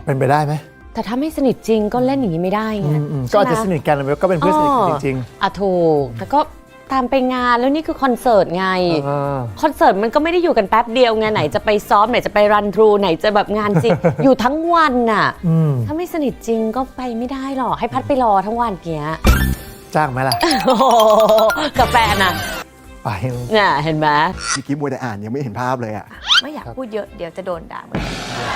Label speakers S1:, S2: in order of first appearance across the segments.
S1: เป็นไปได้ไหม
S2: แต่ถ้าไม่สนิทจริงก็เล่นอย่างนี้ไม่ได้ไง
S1: ก็อาจจะสนิทกันก็เป็นเพื่อนสนิทกันจริง
S2: ๆถูกแต่ก็ตามไปงานแล้วนี่คือคอนเสิร์ตไงคอนเสิร์ตมันก็ไม่ได้อยู่กันแป๊บเดียวไงไหนจะไปซ้อมไหนจะไปรันทรูไหนจะแบบงานจริง อยู่ทั้งวันน่ะถ้าไม่สนิทจริงก็ไปไม่ได้หรอกให้พัดไปรอทั้งวันเงี้ย
S1: จ้างไหมล่ะ
S2: กับแฟนน่ะ
S1: ไป
S2: เนี่ยเห็นไหม
S3: เมื่อกี้บัวแต่อ่านยังไม่เห็นภาพเลยอ่ะ
S4: ไม่อยากพูดเยอะเดี๋ยวจะโดนด่าเหมือนกัน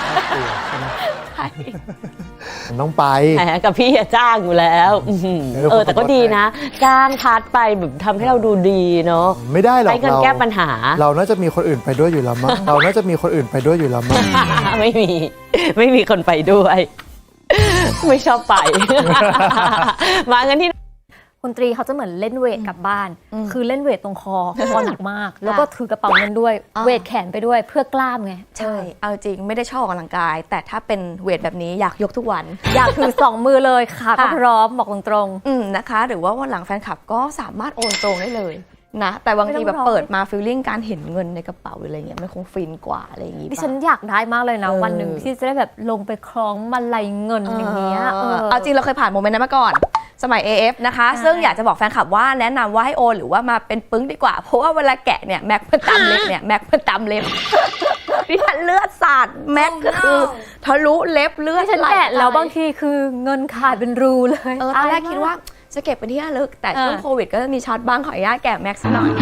S1: มันต้องไป
S2: แหมกับพี่จ้างอยู่แล้วแต่ก็ดีนะจ้างพัดไปแบบทำให้เราดูดีเนาะ
S1: ไม่ได้หรอก
S2: ใช้เงินแก้ปัญหา
S1: เราน่าจะมีคนอื่นไปด้วยอยู่แล้วมั้งเราน่าจะมีคนอื่นไปด้วยอยู่แล้วมั้ง
S2: ไม่มีคนไปด้วยไม่ชอบไปมากันที่
S5: คุณตรีเขาจะเหมือนเล่นเวทกลับบ้านคือเล่นเวทตรงคอหนักมากแล้วก็ถือกระเป๋าเงินด้วยเวทแขนไปด้วยเพื่อกล้ามไง
S4: ใช่เอาจริงไม่ได้ชอบออกกำลังกายแต่ถ้าเป็นเวทแบบนี้อยากยกทุกวัน
S5: อยากถือ2 มือเลยค่ะก็พร้อมบอกตรง
S4: ๆนะคะหรือว่าวันหลังแฟนคลับก็สามารถโอนตรงได้เลยนะแต่บางทีแบบเปิดมาฟีลลิ่งการเห็นเงินในกระเป๋าอะไรเงี้ยมันคงฟินกว่าอะไรอย่างงี้
S5: ดิฉันอยากได้มากเลยนะวันหนึ่งที่จะได้แบบลงไปคล้องมาลัยเงินอย่างเงี้ย
S4: เอาจริงเราเคยผ่านโมเมนต์นั้นมาก่อนสมัย AF นะคะซึ่งอยากจะบอกแฟนคลับว่าแนะนำว่าให้โอนหรือว่ามาเป็นปึ้งดีกว่าเพราะว่าเวลาแกะเนี่ยแม็กมันตำเล็บเนี่ยแม็กมันตำเล็บดิฉันเลือดสาดแม็กก็คือทะลุเล็บเลือด
S5: ฉันแกะแล้วบางทีคือเงินขาดเป็นรูเลย
S4: ตอนแรกคิดว่าจะเก็บเป็นที่ระลึกแต่ช่วงโควิดก็จะมีช็อตบ้างขออนุญาตแกะแม็กซ์หน่อย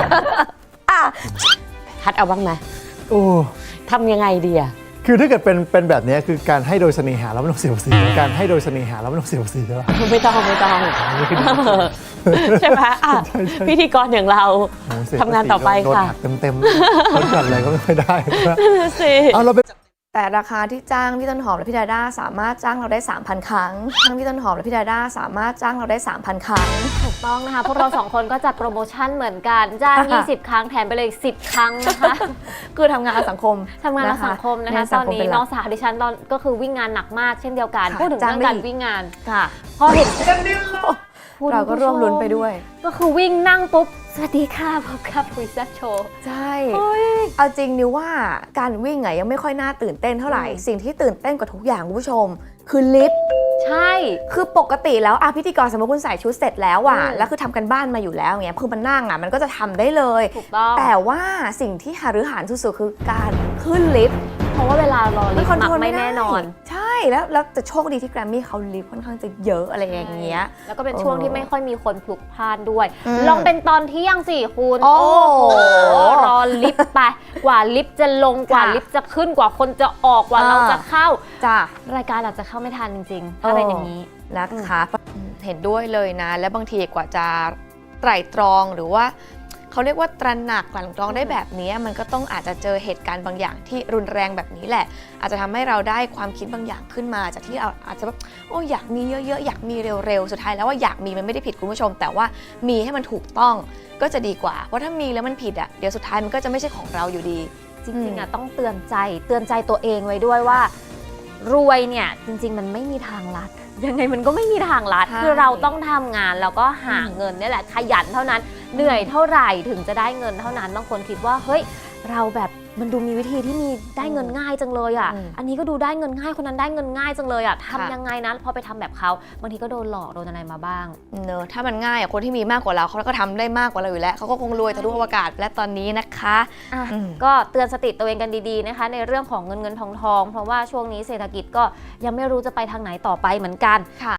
S2: พัดเอาบ้างไหมทำยังไงดีอะ
S1: คือถ้าเกิดเป็นแบบนี้คือการให้โดยเสน่หาแล้วไม่ต้องเสียภาษีการให้โดยเสน่หาแล้วไม่ต้องเสียภาษีใช่ปะ
S2: ไม่ต้องใช่ไหมพิธีกรอย่างเราทำงานต่อไปค่ะ
S1: เต็มลดหย่อนอะไรก็ไม่ได้
S4: เอาเราไปแต่ราคาที่จ้างพี่ต้นหอมและพี่ดาด้าสามารถจ้างเราได้ 3,000 ครั้งทั้งพี่ต้นหอมและพี่ดาด้าสามารถจ้างเราได้ 3,000 ครั้ง
S5: ถูกต้องนะคะพวกเรา2 คนก็จัดโปรโมชั่นเหมือนกันจ้าง20 ครั้งแถมไปเลย10 ครั้งนะคะ
S4: คือทำงานสังคม
S5: นะคะตอนนี้น้องสาวดิฉันตอนก็คือวิ่งงานหนักมากเช่นเดียวกันพูดถึงเรื่องการวิ่งงานพอเห็น
S4: เราก็ร่วมลุ้นไปด้วย
S5: ก็คือวิ่งนั่งปุ๊บสวัสดีค่ะพบกับคุยแซ่บโชว์
S4: ใช่เอาจริงนิวว่าการวิ่งไงยังไม่ค่อยน่าตื่นเต้นเท่าไหร่สิ่งที่ตื่นเต้นกว่าทุกอย่างคุณผู้ชมคือลิฟต์
S5: ใช่
S4: คือปกติแล้วพิธีกรสมมติคุณใส่ชุดเสร็จแล้วแล้วคือทำกันบ้านมาอยู่แล้วเงี้ยคือมันนั่งมันก็จะทำได้เลย
S5: ถูกต้อง
S4: แต่ว่าสิ่งที่หฤหันสุดๆคือการขึ้นลิฟต์
S5: เพราะว่าเวลารอลิฟต์ไม่แน่นอน
S4: ใช่แล้วจะโชคดีที่แกรมมี่เขาลิฟต์ค่อนข้างจะเยอะอะไรอย่างเงี้ย
S5: แล้วก็เป็นช่วงที่ไม่ค่อยมีคนพลุกพล่านด้วยลองเป็นตอนเที่ยงสิคุณ
S4: โอ้โห
S5: รอลิฟต์ไปกว่าลิฟต์จะลงกว่าลิฟต์จะขึ้นกว่าคนจะออกกว่าเราจะเข้า
S4: จ้ะ
S5: รายการอาจจะเข้าไม่ทันจริงๆถ้าเป็นอย่างนี้
S4: นะคะเห็นด้วยเลยนะและบางทีกว่าจะไตร่ตรองหรือว่าเขาเรียกว่าตระหนักกลั่นกรองได้แบบนี้มันก็ต้องอาจจะเจอเหตุการณ์บางอย่างที่รุนแรงแบบนี้แหละอาจจะทำให้เราได้ความคิดบางอย่างขึ้นมาจากที่เราอาจจะแบบอยากมีเยอะๆอยากมีเร็วๆสุดท้ายแล้วว่าอยากมีมันไม่ได้ผิดคุณผู้ชมแต่ว่ามีให้มันถูกต้องก็จะดีกว่าเพราะถ้ามีแล้วมันผิดเดี๋ยวสุดท้ายมันก็จะไม่ใช่ของเราอยู่ดี
S5: จริงๆต้องเตือนใจตัวเองไว้ด้วยว่ารวยเนี่ยจริงๆมันไม่มีทางลัดยังไงมันก็ไม่มีทางลัดคือเราต้องทำงานแล้วก็หาเงินนี่แหละขยันเท่านั้นเหนื่อยเท่าไหร่ถึงจะได้เงินเท่านั้นบางคนคิดว่าเฮ้ยเราแบบมันดูมีวิธีที่มีได้เงินง่ายจังเลยอันนี้ก็ดูได้เงินง่ายคนนั้นได้เงินง่ายจังเลยทำยังไงนะพอไปทำแบบเขาบางทีก็โดนหลอกโดนอะไรมาบ้าง
S4: เนอะถ้ามันง่ายคนที่มีมากกว่าเราเขาก็ทำได้มากกว่าเราอยู่แล้วเขาก็คงรวยทะลุอวกาศและตอนนี้นะคะ
S5: ก็เตือนสติตัวเองกันดีๆนะคะในเรื่องของเงินทองเพราะว่าช่วงนี้เศรษฐกิจก็ยังไม่รู้จะไปทางไหนต่อไปเหมือนกัน
S4: ค่ะ